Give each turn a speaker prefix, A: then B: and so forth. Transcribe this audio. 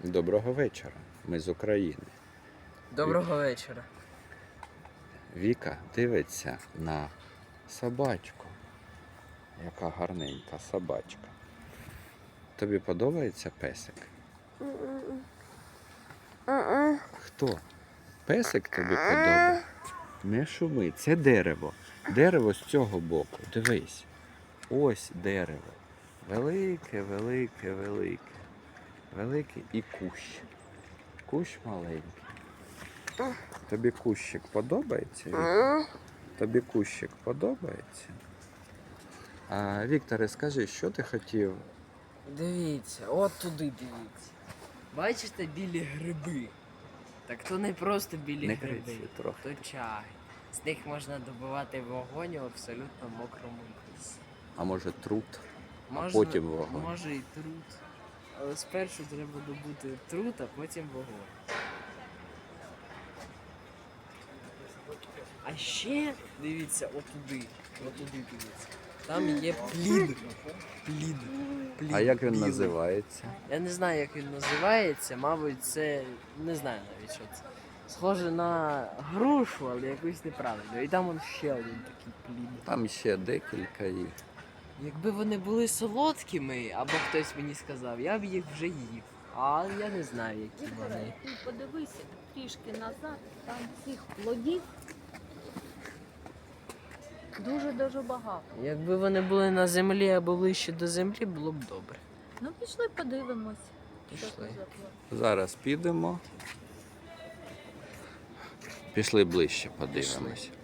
A: Доброго вечора. Ми з України.
B: Доброго вечора.
A: Віка дивиться на собачку. Яка гарненька собачка. Тобі подобається песик? Хто? Песик тобі подобається? Не шуми, це дерево. Дерево з цього боку. Дивись. Ось дерево. Велике, велике, велике. Великий і кущ. Кущ маленький. Тобі кущик подобається, Віктор? Тобі кущик подобається? А, Вікторе, скажи, що ти хотів?
B: Дивіться, от туди дивіться. Бачите білі гриби? Так то не просто білі
A: Не
B: гриби,
A: кричи трохи.
B: то чай. З них можна добивати вогонь у абсолютно мокрому лісі.
A: А може труд?
B: Можна,
A: потім вогонь.
B: Може і труд. Але спершу треба добути труд, а потім вогонь. А ще дивіться отуди. Отуди дивіться. Там є плід. Плід.
A: А як він
B: білий.
A: називається?
B: Я не знаю, як він називається, мабуть, це не знаю навіть, що це. Схоже на грушу, але якусь неправильно. І там он ще один такий плід.
A: Там ще декілька їх.
B: Якби вони були солодкими, або хтось мені сказав, я б їх вже їв. А я не знаю, які вони.
C: Ти подивися трішки назад, там цих плодів дуже-дуже багато.
B: Якби вони були на землі або ближче до землі, було б добре.
C: Ну пішли подивимось. Що
B: Пішли.
C: це за плод.
A: Зараз підемо. Пішли ближче, подивимось.